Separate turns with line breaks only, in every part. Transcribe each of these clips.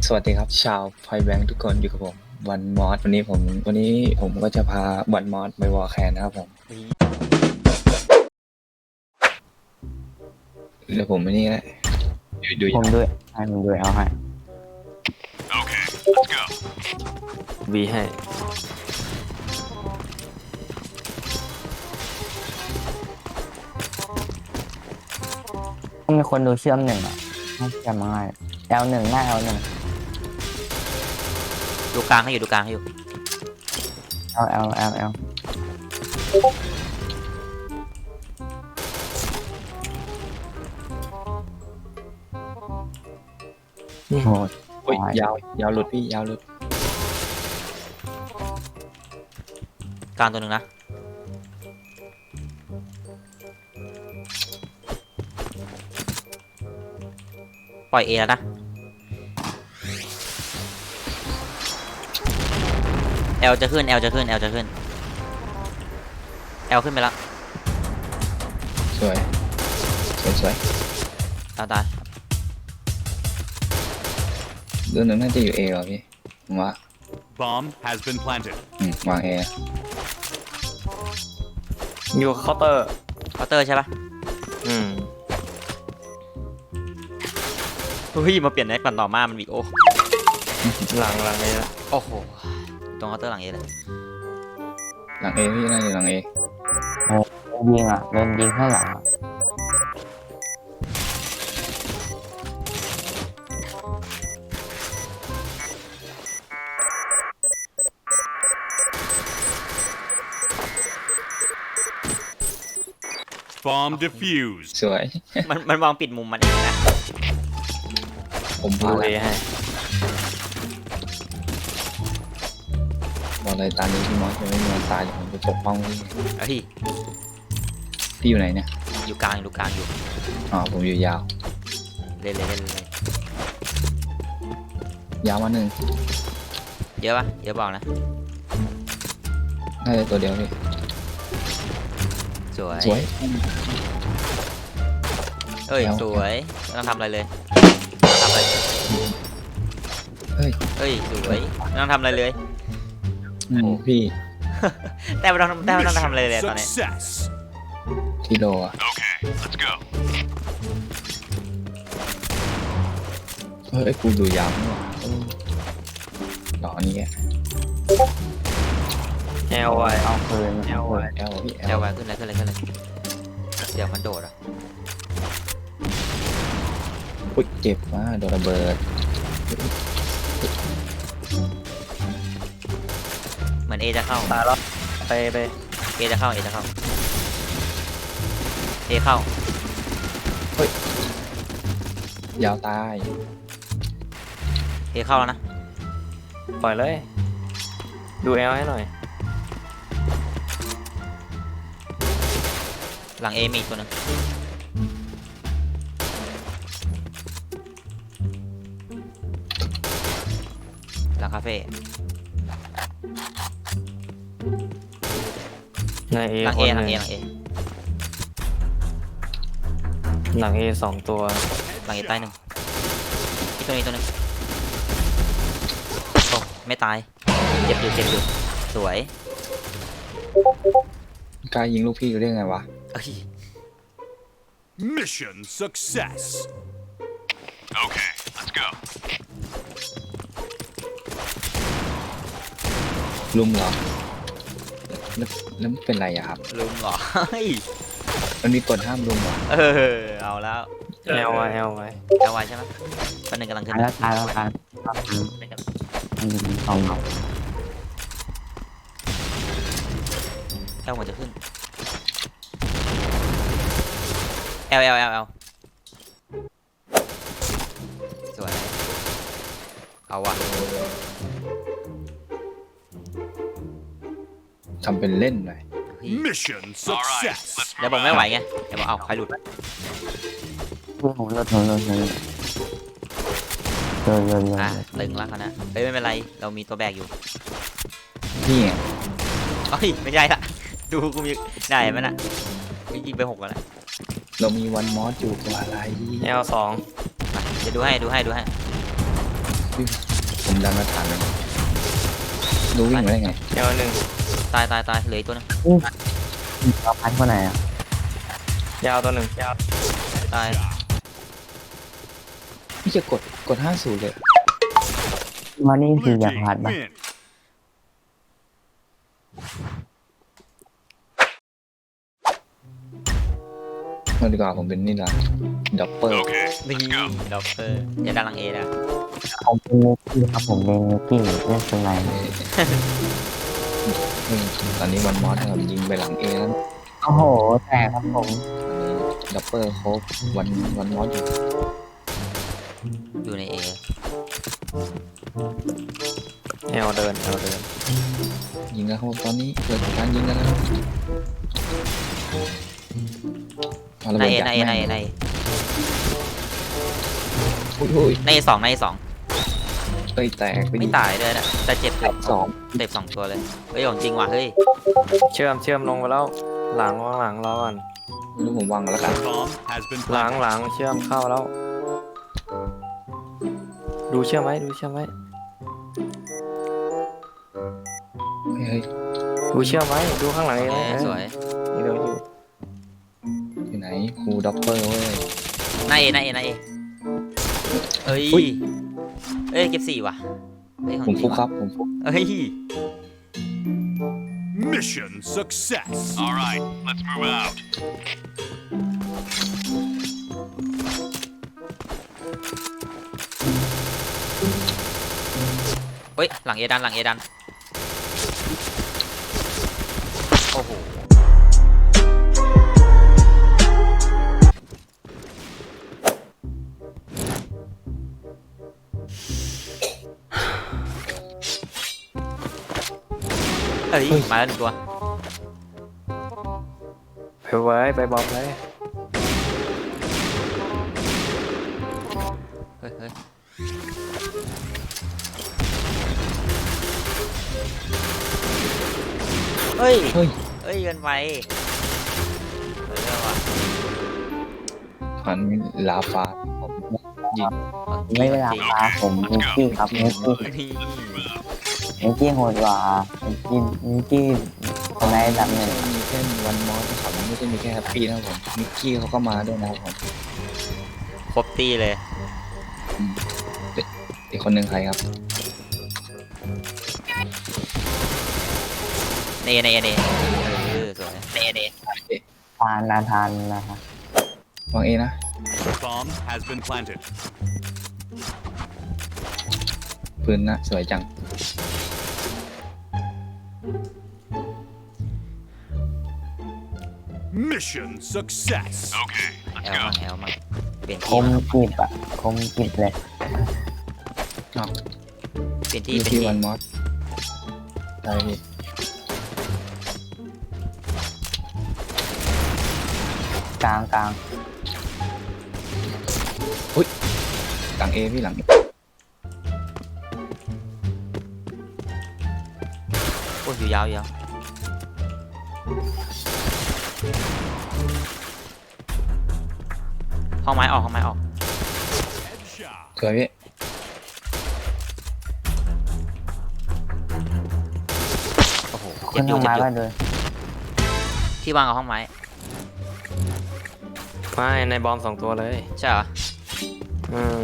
สวัสดีครับชาวพอยแบงค์ทุกคนอยู่กับผมวันมอสวันนี้ผมก็จะพาวันมอสไปวอลแคนนะครับผมเดี๋ยวผมไม่นี่แหละดู
ผมด้วยให้ผมด้วยเอาให้
Okay, let's go.
วีให้
ต้องมีคนดูเชื่อมหนึ่งอ่ะให้เชื่อมง่าย L1 หน้า L1
ดูกลางให้อยู่ดูกลางให้อยู่
L โอ้โห
โอ้ยยาวหลุดพี่ยาวหลุด
กลางตัวหนึ่งนะปล่อยเอแล้วนะแอลจะขึ้นแอลจะขึ้นแอลจะขึ้นแอลขึ้นไปแล้ว
สวย
ตาย
เรื่องนึงน่าจะอยู่เอเหรอพี่ผมว่า
Bomb has been planted.
วางเอ
อยู่เคาน์เตอร์
เคาน์เตอร์ใช่ปะ
อืม
เฮ้ยมาเปลี่ยนแน็กก่อนต่อมามันวีโอ
หลังเลยละ
โอ้โหตรงเคาน์เตอร์หลังเอเลย
หลังเอพี่น่าจะหลังเอ
ยิงอ่ะเดินยิงข้างหลังอ่ะ
Bomb defused.
สวย
มันวางปิดมุมมันเองนะ
ผม
ดู
พา
เอ
แล้ว
ให้
บอกเลยตอนนี้พี่มอสยังไม่มีวันตายเดี๋ยวผมจะปกป้องพี่
เฮ้ย
พี่อยู่ไหนเนี่ย
อยู่กลางอยู่กลางอยู่
อ๋อผมอยู่ยาว
เล่นเลยเล่นเลย
ยาวมาหนึ่ง
เยอะปะเยอะบอกนะ
น่าจะตัวเดียวพี่
สวย
สวย
เอ้ย
แล้ว
สวยไม่ต้องทำอะไรเลยไม่ต้องทำอะไร
เฮ้ย
เอ้ยสวยไม่ต้องทำอะไรเลย
พี่
แต่ไม่ต้องทำอะไรเลยตอนนี้
Success.
ที่โลอะ
Okay, let's go.
เฮ้ยกูดูยาวนี่หว่าหล่อนี่แก
แอลไว
เอาคืน
แอลไว
แอลพี่แอ
เดี๋ยว
ล
ไว้ขึ้นเลยขึ้นเลยขึ้นเลยเดี๋ยวมันโดดอ่ะ
อุ้ยเจ็บมากโดนระเบิด
เหมือนเอจะเข้า
ตายแล้วไป
เอจะเข้าเอจะเข้าเอเข้าย
าวตาย
เอเข้าแล้วนะ
ปล่อยเลย ดูแอลให้หน่อย
หลังเอมีอีกตัวหนึงหลังคาเฟ่
ในเอ
หลัง
ค
เอน ห
ห
ลั
นึ่
ง
ง
เอหลังเอ
หลังเอ2 ตัว
หลังเอใต้หนึ่งอีกตัวนี้ตัวหนึงโอ้ไม่ตายเจ็บอยู่สวย
กล้ายิงลูกพี่เรื่องไงวะ
เอ้ย
Mission success. Okay, let's go.
ลุมเหรอแล้วมันเป็นไรอะครับ
ลืมเหรอเฮ้ย
มันมีกฎห้ามลุมเหรอ
เอาแล้ว
แอลไวแอลไว
เอาไว้ใช่ไหมปันหนึ่งกำลังขึ้น
ตายแล้วมันยิงสอง
แอลมันจะขึ้นแอลสวยเอาว่ะ
ทำเป็นเล่นหน่อย
เฮ้ย
Mission success.
เดี๋ยวบอกไม่ไหวไงเดี๋ยวบอกเอาใครหลุด
ผมเลิศเลิศ
อ่ะตึงแล้วเขานะเฮ้ยไม่เป็นไรเรามีตัวแบกอยู่
นี่ไง
เอ้ยไม่ใช่ละดูกูมีได้ไหมน่ะกูยิงไป6แล้วนะ
เรามีวันมอสอยู่ตัวอะไร
แอล2
เดี๋ยวดูให้
ผมดันมาถามเลยรู้วิ่งมาได้ไง
เอลหนึ่ง
ตายเหลืออีกตัวนึง
เราพัดคนไหนอ่ะ
ยาวตัวหนึ่งยาว
ตาย
พี่จะกด50เลย
มานี่คือ
Blue
อยาก
team
พัดปะ
win.
มาดีกว่าผมเป็นนี่ละดับเบิล
Okay,
นี่
let's go.
ด็อกเตอร์อย่าดันหลังเอนะ
ผมเป็นนิกกี้ครับผมเป็นนิกกี้เล่นเป็นไง
ตอนนี้วันมอสครับยิงไปหลังเอแล้ว
โอ้โหแตกครับผม
อันนี้ดับเบิลโคบวันมอสอยู่
อยู่ในเอ
เอลเดิน
ยิงแล้วครับตอนนี้เกิดการยิงกันแล้วเอาระ
ใน
เบิด
เอ
ยัด
ในเอ
แม่ง
ในเอใน
อุ้ย
ในเอสองในเอสอง
เอ้ยแตกไป
ไม่
ดิ
ตายเลยนะแต่เจ็บ
สอง
เจ็บ2 ตัวเลยเฮ้ยของจริงว่ะเฮ้ย
เชื่อมลงไปแล้วหลังวางหลังรอก่อน
ไม่รู้ผมวางแล้วกัน
Bomb has been
หลัง
planted.
เชื่อมเข้าแล้ว ดูเชื่อมไว้
เฮ้ย
ดูเชื่อมไว้ดูข้างหลังเอง
โอเค
นะ
สวย
นี่เดี๋ยวอยู่
อยู่ไหนครูดับเบิลเว้ย
ในเอเอ้ย
อุ๊ย
เอ้ยเก็บ4ว่ะเฮ้ยของ
ผม
จริ
ฟุ
ง
กครั
ว่ะ
บผมฟุก
เฮ้ย
Mission success. All right, let's move out.
เฮ้ยหลังเอดันโอ้โหเฮ้ยมาแล้ว1 ตัว
ไปไว้ไปบอมเลย
เฮ้ยเฮ้ย
เฮ้ย
เฮ้ยเกินไปเฮ้ยเอาว่ะ
อันนี้ลาฟ้าผมยิง
ของจริง
ไม่เวลา
ของจริง
พาผมนิกกี้ครับนิกกี้
นี่
นิกกี้โหดกว่านิกกี้คนไหนดับหนึ่ง
มีแค่วันมอสนะครับไม่ใช่มีแค่แฮปปี้นะครับผมมิกกี้เขาก็มาด้วยนะครับผม
ครบตีเลย
อีกคนหนึ่งใครครับ
เนสวยเน
ทานนะครับ
วางเอนะ
Bomb has been planted.
ปืนนะสวยจัง
Mission success. Okay,
แอลมั่งเปลี่ยน
ค
ที่
มกิบอ่ะคมกิบเลย
อ้าว
เปลี่ยน
อ
ที่
ยู่ที่วันมอสได้พี่
กลาง
กลางเอพี่หลัง
โอ้ยอยู่ยาวห้องไม้ออก
Headshot.
สวยพี่
โอ้โห
ขึ้นทางไม้ก็เลย
ที่วางกับห้องไม้
ไม่ในบอม2 ตัวเลย
ใช่เหรอ
อืม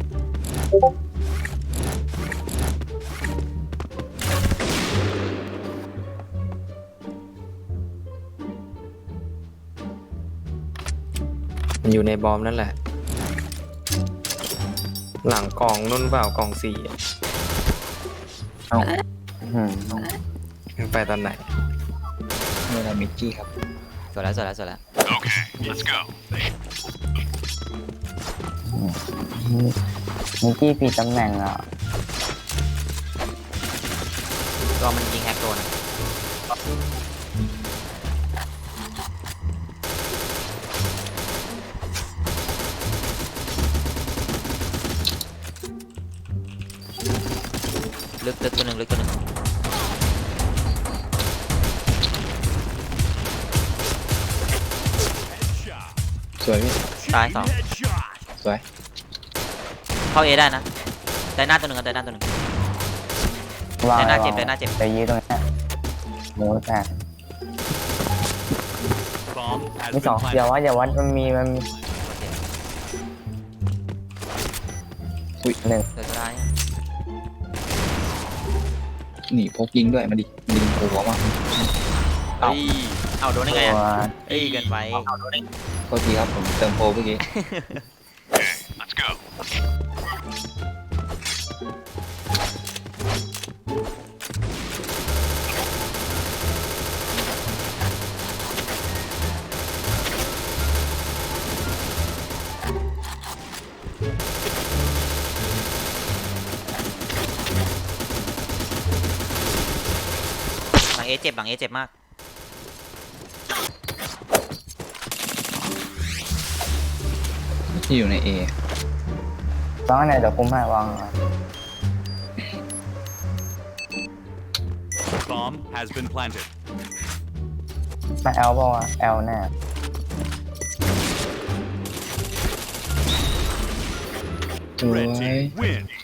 มันอยู่ในบอมนั่นแหละ หลังกล่องนุ่นเปล่ากล่อง4อะ
อืม
ไปตอนไหน
เวลามิกกี้ครับ
สวยแล้ว
Okay, let's go.
นิกกี้ผิดตำแหน่งอ่ะ
ตัวมันยิงแฮกโดนอะลึกตัวหนึ่ง
Headshot.
สวยพี่
ตาย
Chain
2
headshot.
สวย
เข้าเอได้นะได้หน้าตัวหนึ่งครับได้หน้าตัวหนึ่ง
วาง
ได้หน้าเจ็บ
วง
ได้หน้าเจ็บ
ไปยืดตรงนี้หมูแตก
Bomb has
มี
been
สองอย่า
planted.
วัดมันมีหนึ่ง
เดี๋ยวจะได้อะ
นี่พกยิงด้วยมาดิยิงหัวมา
เฮ้ยเอาโดนได้ไง
ตัว
อะเอ้ยเกินไป
โทษทีครับผมเติมโปรเมื่อกี้
Let's go.
หลังเอเจ็บหลังเอเจ็บมาก
ที่อยู่ใน A
วางไหนเดี๋ยวคุมให้วาง
Bomb has been planted.
มาแอลเปล่าวะแอลแน่
สวย
Red team win.